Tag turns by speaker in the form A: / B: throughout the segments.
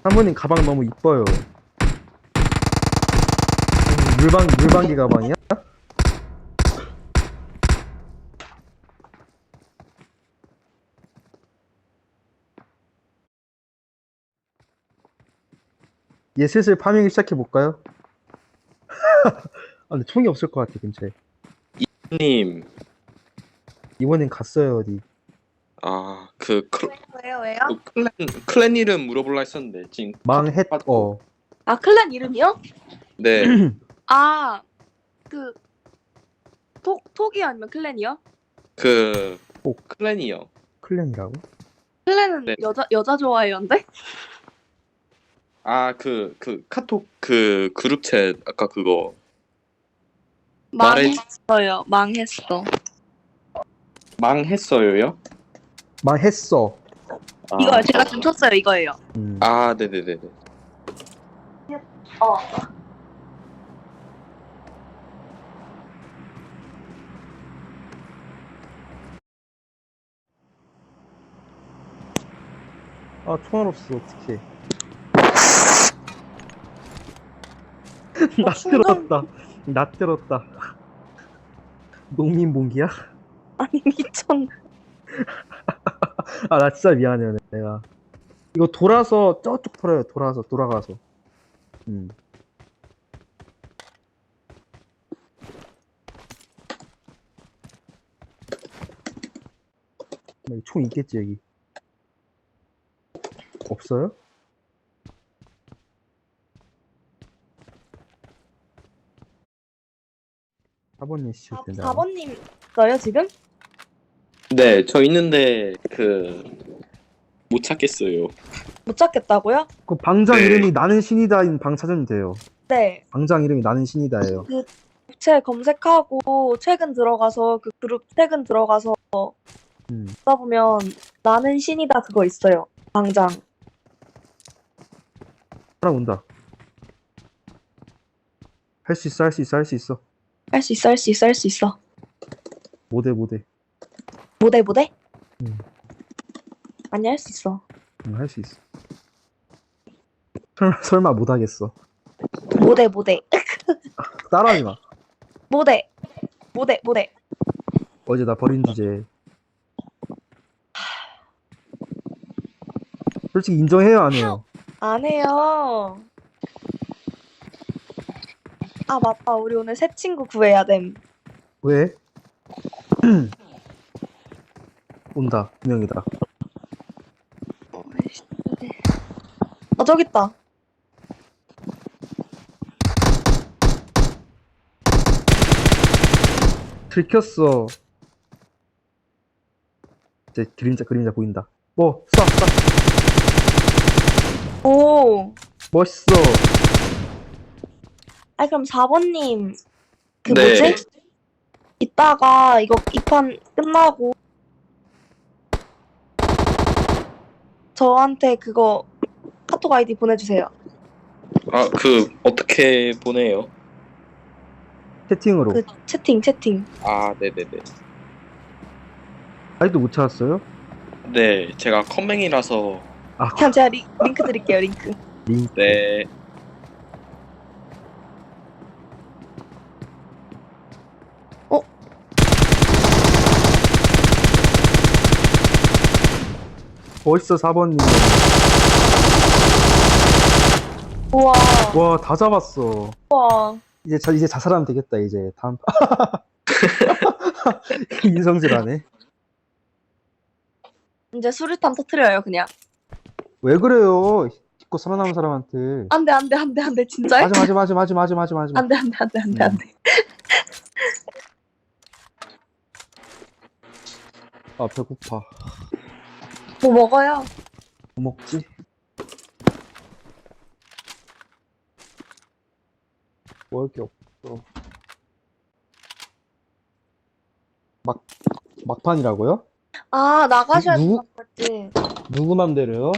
A: 사모님 가방 너무 이뻐요. 물방기 가방이야? 얘 슬슬 파밍을 시작해볼까요? 아, 근데 총이 없을 것 같아, 근처에.
B: 님,
A: 이번엔 갔어요, 어디.
C: 왜요?
B: 클랜 이름 물어볼라 했었는데, 지금.
A: 망했어.
C: 아, 클랜 이름이요?
B: 네,
C: 아, 그, 톡이 아니면 클랜이요?
B: 클랜이요.
A: 클랜이라고?
C: 클랜은
B: 네.
C: 여자 좋아해요인데?
B: 카톡 그룹챗, 아까 그거.
C: 망했어요. 망했어.
B: 망했어요요?
A: 망했어.
C: 이거요. 제가 좀 쳤어요. 이거예요.
B: 네네네네.
C: 어.
A: 아, 총알 없어, 어떡해. 나 들었다. 농민봉기야?
C: 아니, 미쳤네.
A: 아, 나 진짜 미안해요, 내가. 이거 돌아서 저쪽 털어요, 돌아가서. 총 있겠지, 여기. 없어요? 사번님 씨, 된다.
C: 4번님 있어요, 지금?
B: 네, 저 있는데, 못 찾겠어요.
C: 못 찾겠다고요?
A: 그 방장
B: 네.
A: 이름이 나는 신이다인 방 찾으면 돼요.
C: 네.
A: 방장 이름이 나는 신이다예요.
C: 그, 업체 검색하고 최근 들어가서 그 그룹 최근 들어가서 보면 나는 신이다 그거 있어요. 방장.
A: 사람 온다. 할 수 있어.
C: 할 수 있어.
A: 모대.
C: 모대? 아니, 할 수 있어.
A: 할 수 있어. 설마 못하겠어.
C: 모대.
A: 따라하지 마.
C: 모대.
A: 어제 나 버린 주제. 솔직히 인정해요, 안 해요?
C: 안 해요. 아, 맞다. 우리 오늘 새 친구 구해야 됨.
A: 왜? 온다. 분명이다.
C: 아, 저기 있다.
A: 들켰어. 이제 그림자 보인다. 뭐, 쏴.
C: 오.
A: 멋있어.
C: 아, 그럼 4번님. 그
B: 네.
C: 뭐지? 이따가 이거 이 판 끝나고 저한테 그거 카톡 아이디 보내주세요.
B: 어떻게 보내요?
A: 채팅으로.
C: 그 채팅.
B: 네네네.
A: 아직도 못 찾았어요?
B: 네, 제가 컴맹이라서,
C: 그냥 제가 링크 드릴게요. 링크.
A: 링크.
B: 네.
A: 멋있어, 4번님.
C: 우와.
A: 와, 다 잡았어.
C: 우와.
A: 이제 자살하면 되겠다, 이제. 다음. 인성질하네.
C: 이제 수류탄 터트려요 그냥.
A: 왜 그래요? 믿고 살아남은 사람한테.
C: 안돼 진짜요?
A: 맞아.
C: 안돼.
A: 아, 배고파.
C: 뭐 먹어요?
A: 뭐 먹지? 먹을 게 없어. 막판이라고요?
C: 아, 나가셔야
A: 누구?
C: 될것 같지.
A: 누구 맘대로요?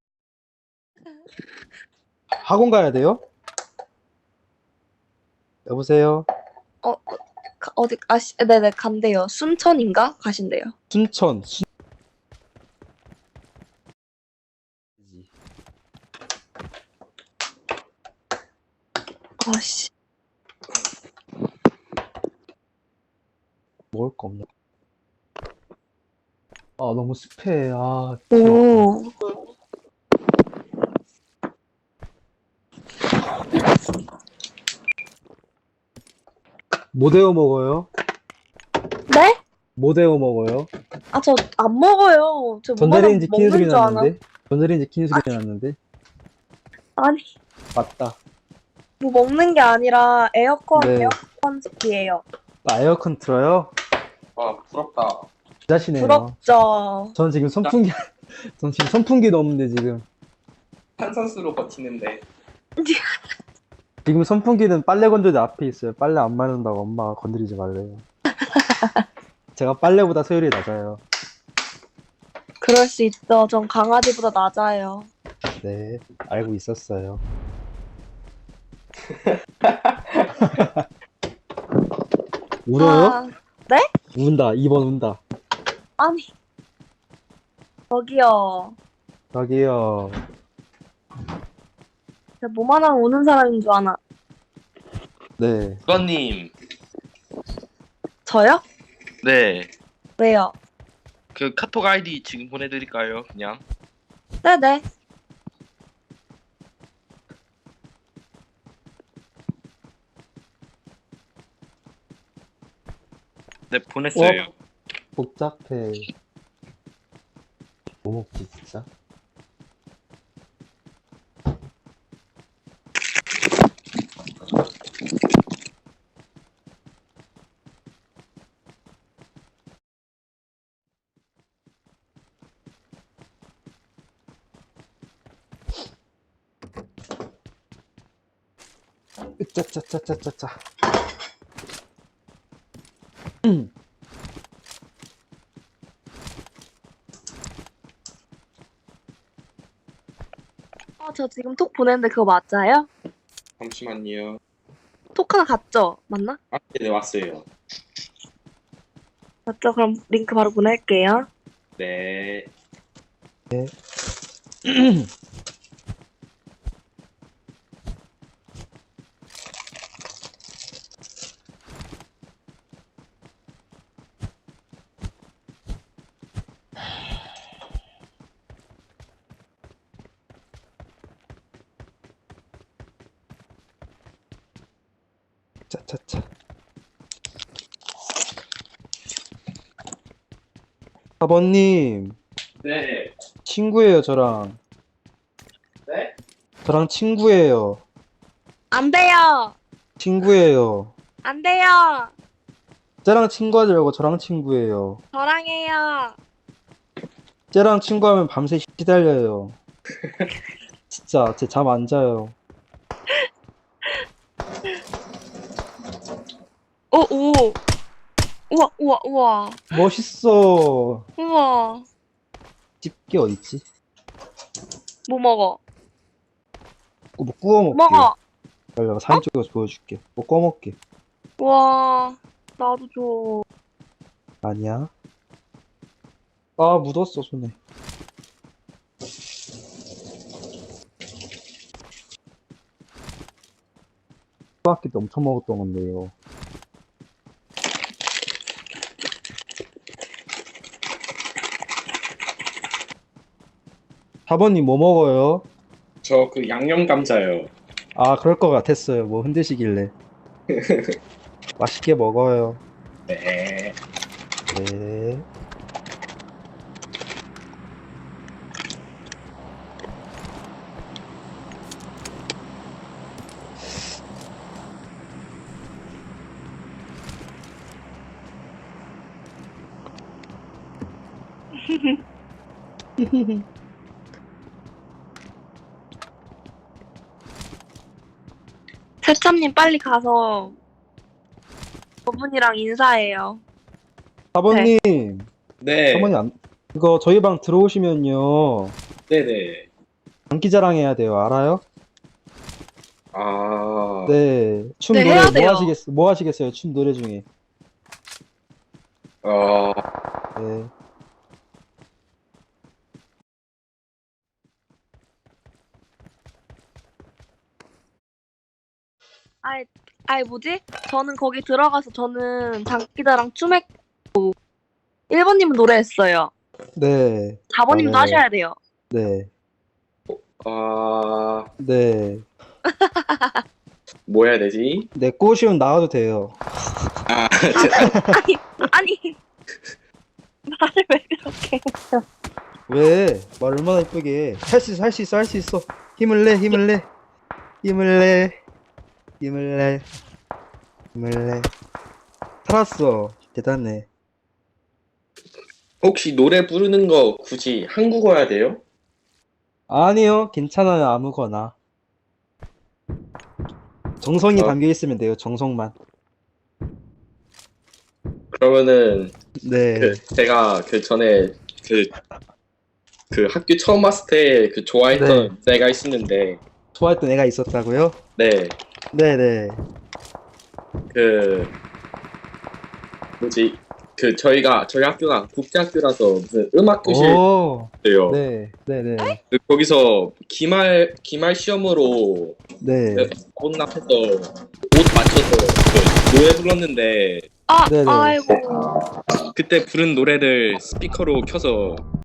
A: 학원 가야 돼요? 여보세요?
C: 어디 네네 간대요. 순천인가 가신대요.
A: 순천.
C: 아씨.
A: 먹을 거 없냐? 아, 너무 습해. 아, 필요 없다.
C: 오.
A: 뭐 데워 먹어요?
C: 네?
A: 뭐 데워 먹어요?
C: 아, 저 안 먹어요. 저 뭐만
A: 전자레인지 키는 소리
C: 먹는 줄 아나?
A: 났는데? 전자레인지 키는 소리 났는데?
C: 아니,
A: 맞다.
C: 뭐 먹는 게 아니라 에어컨,
A: 네.
C: 에어컨 스키예요.
A: 아, 에어컨 틀어요?
B: 아, 부럽다.
A: 기자시네요.
C: 부럽죠.
A: 전 지금 선풍기, 전 지금 선풍기도 없는데 지금.
B: 탄산수로 버티는데.
A: 지금 선풍기는 빨래 건조대 앞에 있어요. 빨래 안 마른다고 엄마가 건드리지 말래요. 제가 빨래보다 소율이 낮아요.
C: 그럴 수 있죠. 전 강아지보다 낮아요.
A: 네, 알고 있었어요. 울어요?
C: 아, 네?
A: 운다. 2번 운다.
C: 아니, 저기요.
A: 저기요.
C: 제가 뭐만 하면 우는 사람인 줄 아나?
A: 네.
B: 수건님,
C: 저요?
B: 네.
C: 왜요?
B: 그 카톡 아이디 지금 보내드릴까요? 그냥.
C: 네네.
B: 네, 보냈어요.
A: 복잡해. 뭐 먹지, 진짜? 짜짜짜짜짜짜.
C: 저 지금 톡 보냈는데 그거 맞아요?
B: 잠시만요.
C: 톡 하나 갔죠? 맞나?
B: 아, 네, 왔어요.
C: 맞죠? 그럼 링크 바로 보낼게요.
B: 네.
A: 짜짜짜. 4번님,
B: 네.
A: 친구예요, 저랑.
B: 네?
A: 저랑 친구예요.
C: 안 돼요!
A: 친구예요.
C: 안 돼요!
A: 쟤랑 친구하지 말고 저랑 친구예요.
C: 저랑 해요!
A: 쟤랑 친구하면 밤새 시달려요. 진짜, 쟤 잠 안 자요.
C: 오! 우와, 우와, 우와.
A: 멋있어.
C: 우와.
A: 집게 어딨지?
C: 뭐 먹어?
A: 뭐 구워 먹게.
C: 먹어!
A: 내가 사진 찍어서 보여줄게. 뭐 구워 먹게.
C: 우와. 나도 줘.
A: 아니야. 아, 묻었어, 손에. 초등학교 때 엄청 먹었던 건데요. 사번님 뭐 먹어요?
B: 저 그 양념 감자요.
A: 아, 그럴 것 같았어요. 뭐 흔드시길래. 맛있게 먹어요.
B: 네.
A: 네.
C: 세참님 빨리 가서 저분이랑 인사해요.
A: 사번님,
B: 네.
A: 사번님 이거 저희 방 들어오시면요.
B: 네네.
A: 장기자랑 해야 돼요. 알아요?
B: 아.
A: 네. 춤
C: 네,
A: 노래
C: 해야 돼요.
A: 뭐 하시겠어요? 춤 노래 중에.
B: 어.
A: 네.
C: 아이 뭐지? 저는 거기 들어가서 저는 장기자랑 춤했고 1번님은 노래했어요.
A: 네.
C: 4번님도
A: 맞아요.
C: 하셔야 돼요.
A: 네.
D: 아,
A: 네.
D: 뭐 해야 되지?
A: 네, 꼬시면 나와도 돼요.
D: 아,
C: 아니 나를 왜 그렇게
A: 왜? 말 얼마나 이쁘게. 할 수 있어, 할 수 있어, 할 수 있어. 힘을 내, 힘을 내. 힘을 내. 힘을 내. 힘을 내. 살았어. 대단해.
D: 혹시 노래 부르는 거 굳이 한국어야 돼요?
A: 아니요, 괜찮아요, 아무거나. 정성이
D: 어.
A: 담겨 있으면 돼요, 정성만.
D: 그러면은
A: 네.
D: 제가 전에 그 학교 처음 왔을 때 좋아했던 애가 있었는데
A: 좋아했던 애가 있었다고요?
D: 네,
A: 네네.
D: 그 뭐지? 저희 학교가 국제학교라서 무슨 음악 교실이에요.
A: 오, 네, 네네.
D: 거기서 기말 시험으로
A: 네.
D: 문 앞에서 옷 맞춰서 노래 불렀는데
C: 아
A: 네네.
C: 아이고
D: 그때 부른 노래를 스피커로 켜서